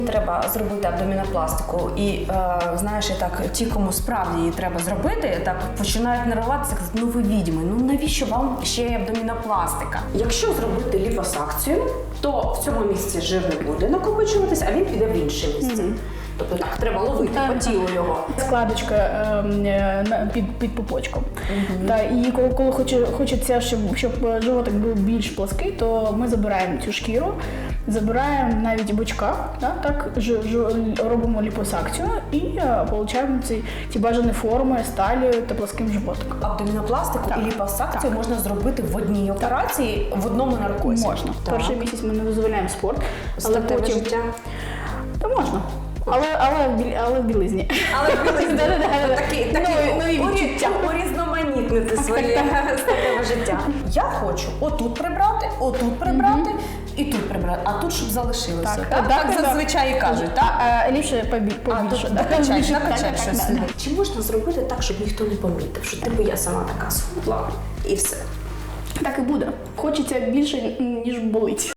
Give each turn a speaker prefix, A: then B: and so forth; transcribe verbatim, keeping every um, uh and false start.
A: Треба зробити абдомінопластику і, е, знаєш, і так, ті, кому справді її треба зробити, так починають нервуватися, казати, ну ви відьми, ну навіщо вам ще й абдомінопластика? Якщо зробити ліпосакцію, то в цьому місці жир не буде накопичуватись, а він піде в інше місце. Mm-hmm. Тобто так, треба ловити по тілу його.
B: Складочка е, е, під, під пупочком. Mm-hmm. Та, і коли, коли хоче, хочеться, щоб, щоб животик був більш плоский, то ми забираємо цю шкіру, забираємо навіть бочка, да, так, ж, ж, робимо ліпосакцію і е, отримуємо ці, ці бажані форми з талією та плоским животиком.
A: Абдомінопластику
B: так.
A: і ліпосакцію
B: так.
A: можна зробити в одній операції, так. в одному наркозі.
B: Можна. Так. Перший місяць ми не дозволяємо спорт, але
A: Статеве
B: потім...
A: життя?
B: Та можна. Але, але, в біль- але в білизні.
A: Але в білизні.
B: Такі,
A: нові відчуття. Урізноманітнити своє статеве життя. Я хочу отут прибрати, отут прибрати і тут прибрати, а тут щоб залишилося.
B: Так,
A: Так,
B: так,
A: так
B: так.
A: зазвичай і кажуть. Так?
B: А ліпше побі-
A: А
B: побільше.
A: тут
B: да.
A: накачай,
B: Більше,
A: накачай
B: так,
A: щось
B: так,
A: сюди.
B: так.
A: Чи можна зробити так, щоб ніхто не помітив, що типу я сама така схудла і все?
B: Так і буде. Хочеться більше, ніж болить.